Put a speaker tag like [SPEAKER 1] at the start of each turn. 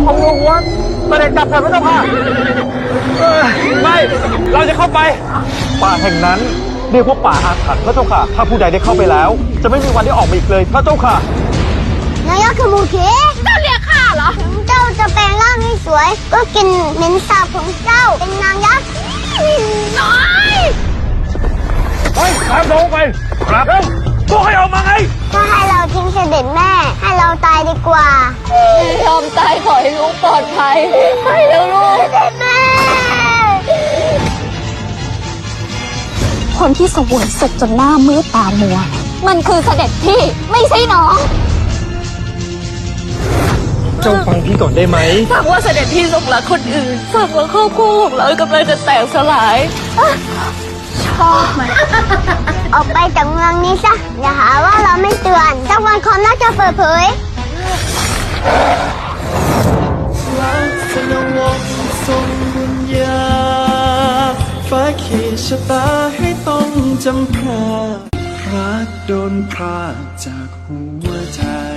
[SPEAKER 1] ของหลวงหัวเสด็จกลับเถิดพระเจ้าค่ะไม่เราจะเข้าไปป่าแห่งนั้นเรียกว่าป่าอาถรรพ์พระเจ้าค่ะถ้าผู้ใดได้เข้าไปแล้วจะไม่มีวันได้ออกมาอีกเลยพระเจ้าค่ะ
[SPEAKER 2] นายกขมูเขเจ้าเรียกข้าเหรอถึงเจ้าจะแปลงร่างให้สวยก็กินเหม็นสาบของเจ้าเป็นนางยักษ์น้อย
[SPEAKER 1] ไปตามลงไปครับบอกให้ออกมาไง
[SPEAKER 2] ถ้าให้เราทิ้งเสด็จแม่ให้เราตายดีกว่ายอมตายขอให้ลูกปลอดภัยให้แล้วลูกเสด็จแม่
[SPEAKER 3] คนที่เสวยสุขจนหน้ามืดตามัวมันคือเสด็จพี่ไม่ใช่น้อง
[SPEAKER 1] เจ้าฟังพี่ก่อนได้ไหม
[SPEAKER 3] ฟังว่าเสด็จพี่หลงรักคนอื่นฟังว่าครอบครัวของเรากำลังจะแตกสลายชอบไหม
[SPEAKER 2] ออกไปจากเมืองนี้ซะอย่าหาว่าเราไม่เตือนสักวันความน่าจะเปิดเผย
[SPEAKER 4] ลักษณะวงทรงบุญญาฟ้าขีดชะตาให้ต้องจำพรารักโดนพรากจากหัวใจ